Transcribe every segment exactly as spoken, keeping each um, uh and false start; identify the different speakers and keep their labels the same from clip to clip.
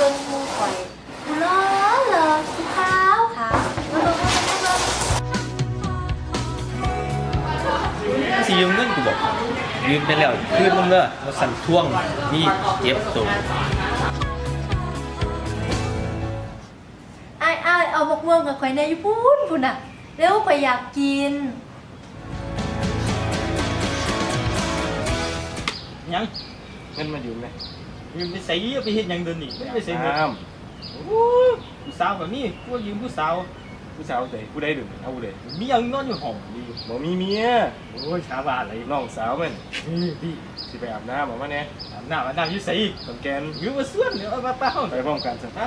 Speaker 1: บิ่งมูข่อยกูล้อเลยกูขาวขาวมาเบิ่งมาเบิ่งมาเบิ่ง
Speaker 2: สิยืมเงินกูบอกยืมไปแล้วคืนมึงเด้อมาสั่นท่วงนี่เจ็บตัว
Speaker 1: ไอ้ไอ้เอามะม่วงกับข่อยในญี่ปุ่นพุ่นน่ะเร็วข่อยอยากกิน
Speaker 2: ยัง
Speaker 3: เงินมายืมไหม
Speaker 2: ยืมไปใส่ไปเฮ็ดหยังเดินนี่ไม่ไปใส่เงิน
Speaker 3: น้
Speaker 2: โอ้ผู้สาวแบบนี้กูยืมผู้สาว
Speaker 3: ำผู้สาวเตะผู้ใดดื่มเอาผู้ใด
Speaker 2: มียังนอนอยู่ห้องดี
Speaker 3: บ่มีเมีย
Speaker 2: โอ้ยชาวบ้านอะไร
Speaker 3: น้องสาวมัน
Speaker 2: นี่พี่
Speaker 3: สิไปอาบน้ำบอกว่าเนี่ย
Speaker 2: อาบน้ำอาบน้ำอยู่ใส่
Speaker 3: ตอนแกน
Speaker 2: ยืมมาส่วนเดี๋ยวเอามาเป้า
Speaker 3: ไปพร้อมกันสิ
Speaker 2: ฮะ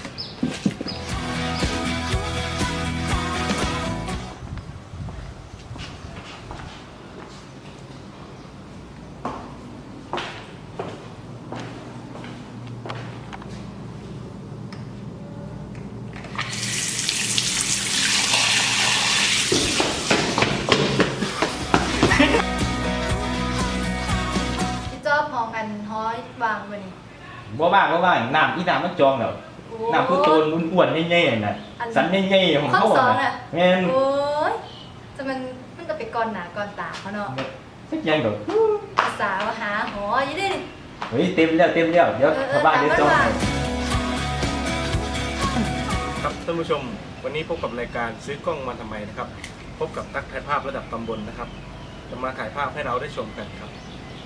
Speaker 1: พี่จอบพองกันห้อยวางบ่นี่
Speaker 2: บ่บ้างบ่บ้างน้ำอีน้ำมันจองแล้วน้ำคือโตนอ้วนๆใหญ่ๆน่ะสันใหญ่ๆของ
Speaker 1: ข้อ
Speaker 2: เขา
Speaker 1: สอง
Speaker 2: น่ะ
Speaker 1: อ่ะ
Speaker 2: แม่น
Speaker 1: โอ้ยจะมันมันจะไปก่อนหนาก่อนตาเขาเนาะ
Speaker 2: สักอย่างดอก
Speaker 1: ภาษาว่าหาหออยู่ดิ
Speaker 2: เฮ้ยเต็มแล้วเต็มแล้วเดี๋ยวชาวบ้านเดี๋ยวจองให้
Speaker 3: ครับท่านผู้ชมวันนี้พบกับรายการซื้อกล้องมาทำไมนะครับพบกับนักถ่ายภาพระดับตำบลนะครับจะมาถ่ายภาพให้เราได้ชมกันครับ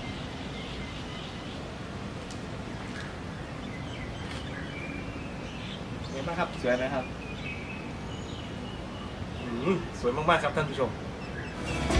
Speaker 3: เป็นไงบ้างครับสวยไหมครับอืมสวยมากๆครับท่านผู้ชม